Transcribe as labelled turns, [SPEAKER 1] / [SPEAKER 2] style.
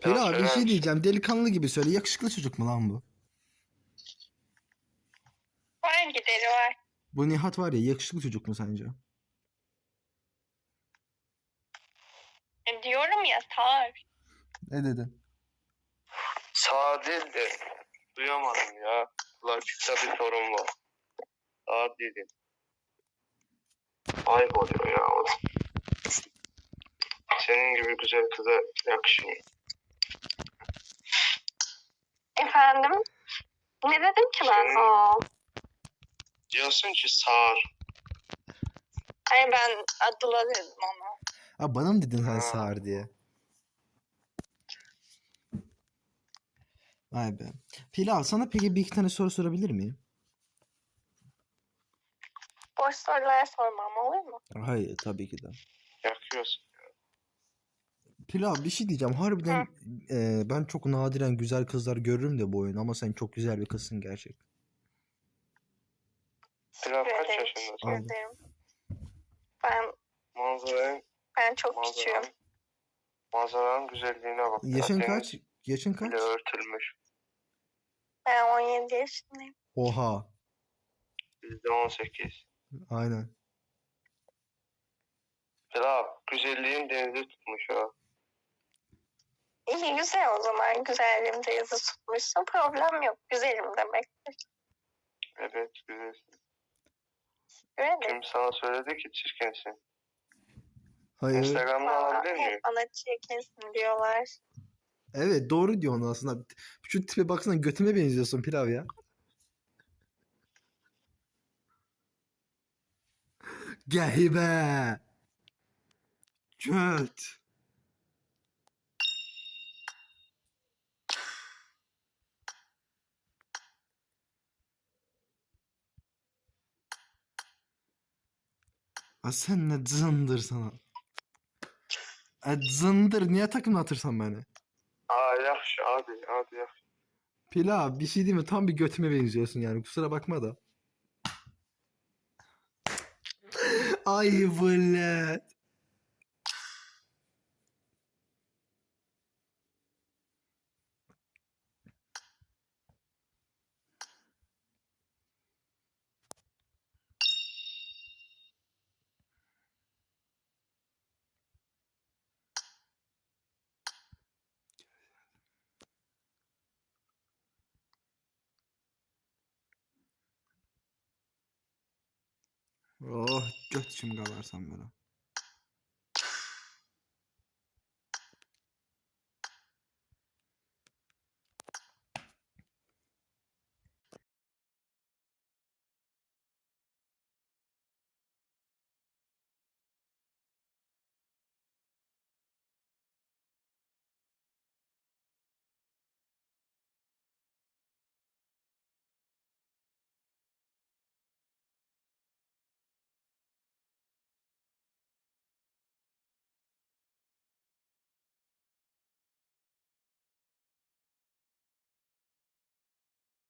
[SPEAKER 1] Ya
[SPEAKER 2] Pira bir
[SPEAKER 1] söyler
[SPEAKER 2] şey
[SPEAKER 1] misin?
[SPEAKER 2] diyeceğim. Delikanlı gibi söyle. Yakışıklı çocuk mu lan bu?
[SPEAKER 3] Var gideri var.
[SPEAKER 2] Bu Nihat var ya, yakışıklı çocuk mu sence?
[SPEAKER 3] Diyorum ya sağır.
[SPEAKER 2] Ne dedin?
[SPEAKER 1] Sağ değil de duyamadım ya. Kulaklıkta bir sorun var. Sağ dedim. Ayıp oluyor ya o. Senin gibi güzel kıza yakışmıyor.
[SPEAKER 3] Efendim? Ne dedim ki ben?
[SPEAKER 1] Senin- Diyorsun ki sağır.
[SPEAKER 3] Hayır ben Adıl'a dedim onu.
[SPEAKER 2] Ha, bana mı dedin sen
[SPEAKER 1] Ha.
[SPEAKER 2] sağır diye? Vay be. Pilav, sana peki bir iki tane soru sorabilir miyim?
[SPEAKER 3] Boş sorular sormam olur mu?
[SPEAKER 2] Hayır, tabii ki de.
[SPEAKER 1] Yakıyorsun.
[SPEAKER 2] Pilav bir şey diyeceğim. Harbiden ben çok nadiren güzel kızlar görürüm de bu oyun, ama sen çok güzel bir kızsın gerçekten.
[SPEAKER 1] Pilav kaç
[SPEAKER 3] Teşekkür
[SPEAKER 1] yaşındasın?
[SPEAKER 2] Aldım.
[SPEAKER 3] ederim. Ben,
[SPEAKER 1] Manzaranın,
[SPEAKER 3] ben çok küçüğüm.
[SPEAKER 1] manzaranın güzelliğine bak. ya.
[SPEAKER 2] Yaşın
[SPEAKER 1] Deniz
[SPEAKER 2] kaç? Yaşın kaç?
[SPEAKER 1] bile örtülmüş.
[SPEAKER 3] Ben 17 yaşındayım.
[SPEAKER 2] Oha.
[SPEAKER 1] Bizde 18.
[SPEAKER 2] Aynen.
[SPEAKER 1] Pilav güzelliğin denizi tutmuş ha.
[SPEAKER 3] İyi güzel o zaman. Güzelliğimde yazı tutmuşsun. Problem yok. Güzelim demektir.
[SPEAKER 1] Evet güzelsin.
[SPEAKER 3] Öyle.
[SPEAKER 1] Kim sana söyledi ki çirkinsin?
[SPEAKER 2] Hayır.
[SPEAKER 1] Instagram'ını alabilir miyim?
[SPEAKER 3] Hep bana çirkinsin diyorlar.
[SPEAKER 2] Evet, doğru diyorsun aslında. Şu tipe baksana, götüme benziyorsun Pilav ya. Gehibe. Göt. Ha, sen ne zındır sana. Zındır, niye takımla atırsan beni?
[SPEAKER 1] Aa yaxşı hadi yaxşı.
[SPEAKER 2] Pilav bir şey değil mi? Tam bir götüme benziyorsun yani, kusura bakma da. Ay vlet. Oh, göt şimdi kabarsan bana.